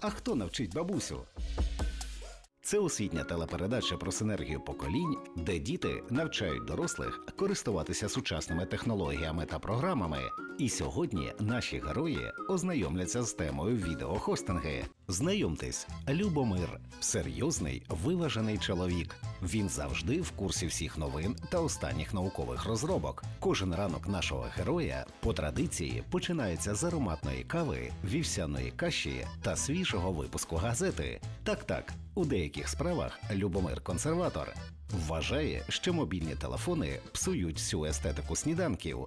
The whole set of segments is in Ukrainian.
а хто навчить бабусю? Це освітня телепередача про синергію поколінь, де діти навчають дорослих користуватися сучасними технологіями та програмами. І сьогодні наші герої ознайомляться з темою відеохостинги. Знайомтесь, Любомир – серйозний, виважений чоловік. Він завжди в курсі всіх новин та останніх наукових розробок. Кожен ранок нашого героя по традиції починається з ароматної кави, вівсяної каші та свіжого випуску газети. Так, у деяких справах Любомир – консерватор. Вважає, що мобільні телефони псують всю естетику сніданків.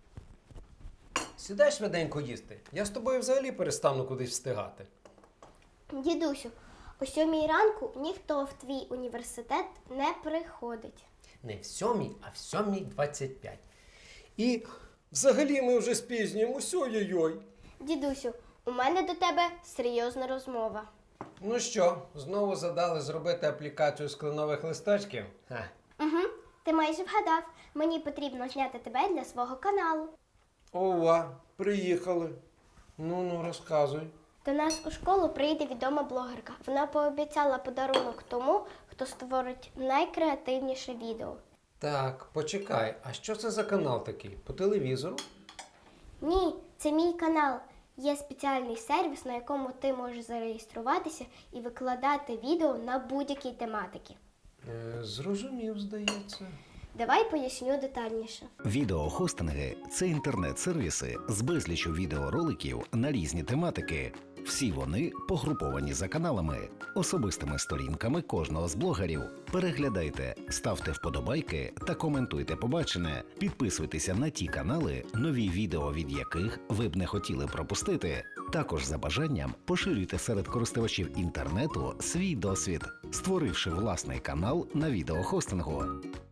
Сідай швиденько їсти. Я з тобою взагалі перестану кудись встигати. Дідусю, о 7 ранку ніхто в твій університет не приходить. Не в 7, а в 7:25. І взагалі ми вже спізнюємося, ой-ой-ой. Дідусю, у мене до тебе серйозна розмова. Ну що, знову задали зробити аплікацію з кленових листочків? Угу, ти майже вгадав. Мені потрібно зняти тебе для свого каналу. Ова, приїхали. Ну, розказуй. До нас у школу прийде відома блогерка. Вона пообіцяла подарунок тому, хто створить найкреативніше відео. Так, почекай, а що це за канал такий? По телевізору? Ні, це мій канал. Є спеціальний сервіс, на якому ти можеш зареєструватися і викладати відео на будь-які тематики. Зрозумів, здається. Давай поясню детальніше. Відеохостинги – це інтернет-сервіси з безліччю відеороликів на різні тематики. Всі вони погруповані за каналами, особистими сторінками кожного з блогерів. Переглядайте, ставте вподобайки та коментуйте побачене. Підписуйтеся на ті канали, нові відео від яких ви б не хотіли пропустити. Також за бажанням поширюйте серед користувачів інтернету свій досвід, створивши власний канал на відеохостингу.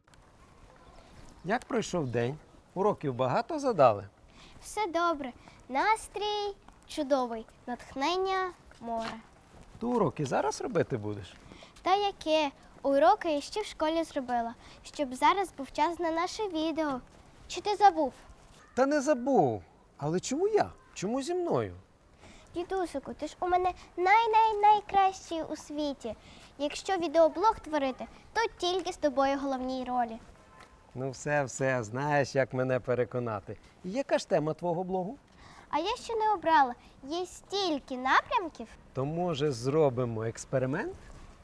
Як пройшов день? Уроків багато задали? Все добре. Настрій чудовий. Натхнення море. Ти уроки зараз робити будеш? Та яке? Уроки я ще в школі зробила, щоб зараз був час на наше відео. Чи ти забув? Та не забув. Але чому я? Чому зі мною? Дідусику, ти ж у мене найкращий у світі. Якщо відеоблог творити, то тільки з тобою головній ролі. Ну все, знаєш, як мене переконати. І яка ж тема твого блогу? А я ще не обрала. Є стільки напрямків. То, може, зробимо експеримент?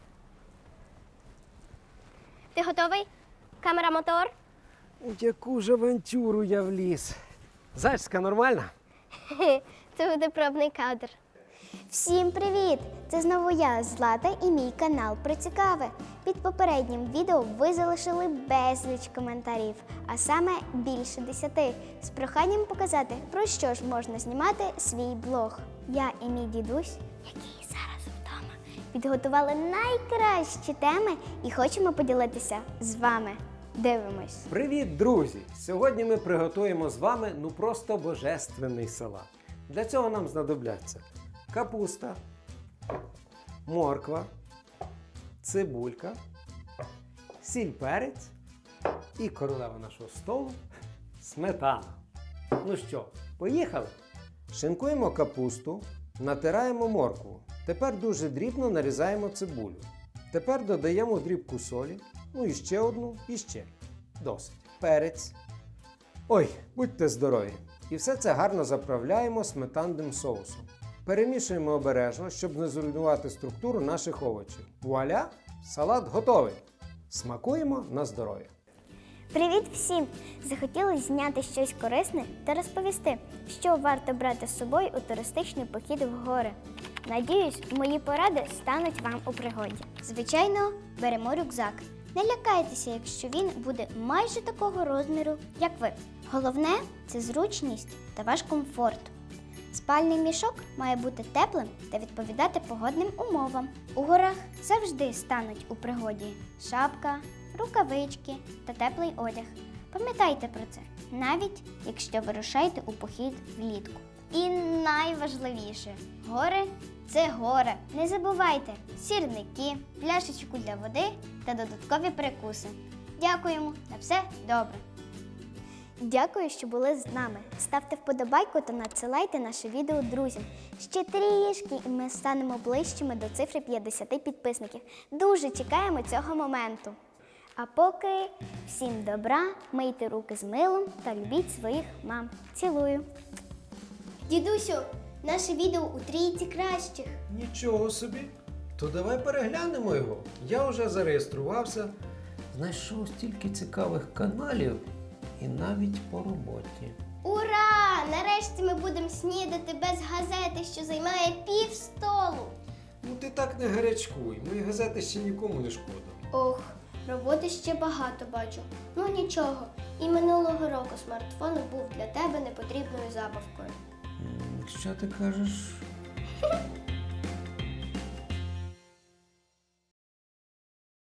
Ти готовий? Камера, мотор? У яку ж авантюру я вліз? Зачіска нормальна? Це буде пробний кадр. Всім привіт! Це знову я, Злата, і мій канал про цікаве. Під попереднім відео ви залишили безліч коментарів, а саме більше 10, з проханням показати, про що ж можна знімати свій блог. Я і мій дідусь, який зараз вдома, підготували найкращі теми і хочемо поділитися з вами. Дивимось. Привіт, друзі! Сьогодні ми приготуємо з вами просто божественний салат. Для цього нам знадобляться капуста, морква, цибулька, сіль, перець і королева нашого столу – сметана. Ну що, поїхали? Шинкуємо капусту, натираємо моркву. Тепер дуже дрібно нарізаємо цибулю. Тепер додаємо дрібку солі, ну і ще одну, і ще. Досить. Перець. Ой, будьте здорові! І все це гарно заправляємо сметанним соусом. Перемішуємо обережно, щоб не зруйнувати структуру наших овочів. Вуаля! Салат готовий! Смакуємо на здоров'я! Привіт всім! Захотілося зняти щось корисне та розповісти, що варто брати з собою у туристичний похід в гори. Надіюсь, мої поради стануть вам у пригоді. Звичайно, беремо рюкзак. Не лякайтеся, якщо він буде майже такого розміру, як ви. Головне – це зручність та ваш комфорт. Спальний мішок має бути теплим та відповідати погодним умовам. У горах завжди стануть у пригоді шапка, рукавички та теплий одяг. Пам'ятайте про це, навіть якщо вирушаєте у похід влітку. І найважливіше – гори – це горе. Не забувайте сірники, пляшечку для води та додаткові перекуси. Дякуємо, на все добре. Дякую, що були з нами. Ставте вподобайку та надсилайте наше відео друзям. Ще трішки, і ми станемо ближчими до цифри 50 підписників. Дуже чекаємо цього моменту. А поки всім добра, мийте руки з милом та любіть своїх мам. Цілую. Дідусю, наше відео у трійці кращих. Нічого собі. То давай переглянемо його. Я вже зареєструвався, знайшов стільки цікавих каналів і навіть по роботі. Ура! Нарешті ми будемо снідати без газети, що займає пів столу. Ну ти так не гарячкуй, мої газети ще нікому не шкода. Ох, роботи ще багато бачу. Ну нічого, і минулого року смартфон був для тебе непотрібною забавкою. Якщо ти кажеш,